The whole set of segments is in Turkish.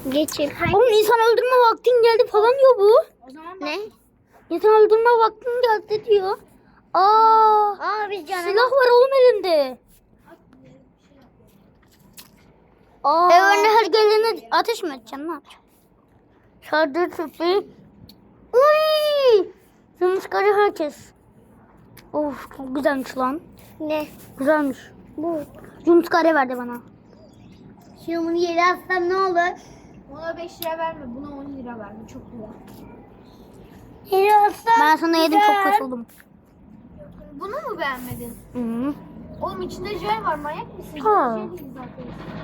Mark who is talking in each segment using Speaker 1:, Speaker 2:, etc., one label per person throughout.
Speaker 1: Geçin.
Speaker 2: Oğlum insan öldürme vaktin geldi falan diyor bu.
Speaker 3: O zaman
Speaker 1: Ne?
Speaker 2: İnsan öldürme vaktin geldi diyor. Aa,
Speaker 1: Biz canavar.
Speaker 2: silah var oğlum elinde. Aa. Önüne her gelene ateş mi edeceksin? Ne yapacaksın? Şarjı tüpü. Uy! Yumuşkarı herkes. Of çok güzelmiş lan.
Speaker 1: Ne?
Speaker 2: Güzelmiş.
Speaker 1: Bu.
Speaker 2: Yumuşkarı verdi bana.
Speaker 1: Şimdi bunu yere atsam ne olur?
Speaker 3: ona 5 lira verme, buna 10 lira verme. Çok güzel.
Speaker 1: Yere atsam.
Speaker 2: Ben sana yedim çok kurtuldum.
Speaker 3: Bunu mu beğenmedin?
Speaker 2: Hı.
Speaker 3: Oğlum içinde jel var, manyak mısın?
Speaker 2: Ha.
Speaker 3: Jel değil zaten.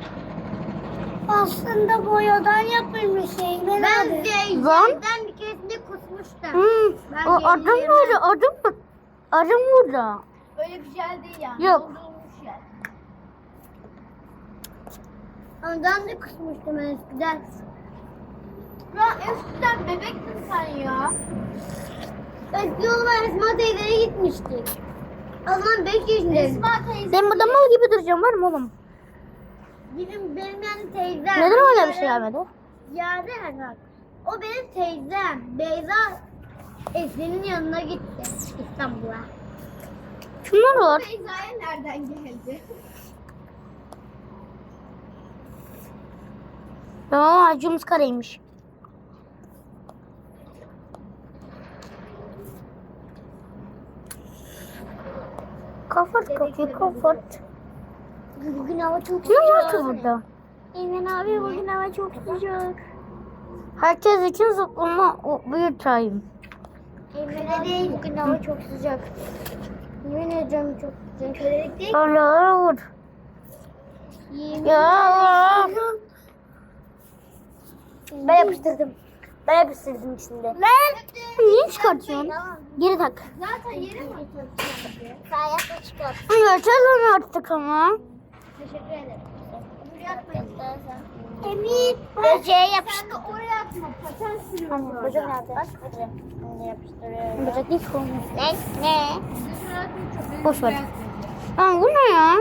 Speaker 1: Aslında boyadan yapılmış şey. Ben
Speaker 2: Lan.
Speaker 1: bir keresinde kusmuştum.
Speaker 2: O adım burada, adım mı? Adım burada.
Speaker 3: Öyle bir jel değil yani.
Speaker 2: Yok.
Speaker 3: Doldurulmuş jel.
Speaker 1: Ondan da kusmuştum eskiden.
Speaker 3: Ya eskiden bebektin sen ya.
Speaker 1: Eski yoluma Esma teyzeye gitmiştik. O zaman 5 yaşındaydım.
Speaker 3: Esma teyze.
Speaker 2: Ben burada mal gibi duracağım var mı oğlum?
Speaker 1: Benim yani teyzem.
Speaker 2: Neden hala bir şey gelmedi?
Speaker 1: Yaren bak. O benim teyzem. Beyza Esin'in yanına gitti İstanbul'a.
Speaker 2: Şunlar var.
Speaker 3: Beyza'ya nereden geldi?
Speaker 2: Aa, yumuşkarıymış. Kafart kapıyı kafart.
Speaker 1: Bugün hava çok
Speaker 2: Ne var
Speaker 1: sıcak.
Speaker 2: ki burada?
Speaker 1: Eymen abi bugün hava çok sıcak.
Speaker 2: Herkes için zıplama bir time.
Speaker 1: Eymen abi bugün hava çok sıcak. Yemin ediyorum çok sıcak. Kölelik değil.
Speaker 2: Allah vur.
Speaker 1: Yemin
Speaker 2: Ya.
Speaker 1: Ben yapıştırdım.
Speaker 2: Ben yapıştırdım içinde. Niye çıkartıyorsun? Geri tak.
Speaker 3: Zaten yere mi?
Speaker 1: Sayakta çıkart.
Speaker 2: Geçelim artık ama.
Speaker 3: Teşekkür ederim. Buraya atmayın.
Speaker 1: Emir. Böceğe
Speaker 3: Sen
Speaker 1: yapıştır.
Speaker 3: de oraya atma. Paten sürüyorsun orada.
Speaker 1: Böcek nerede? Bak böcek. Bunu yapıştırıyorum.
Speaker 2: Böcek hiç olmaz.
Speaker 1: Ne?
Speaker 3: Dışarı atmayın, çok
Speaker 2: Boş ver.
Speaker 3: beyaz böcek.
Speaker 2: Lan bu ne ya?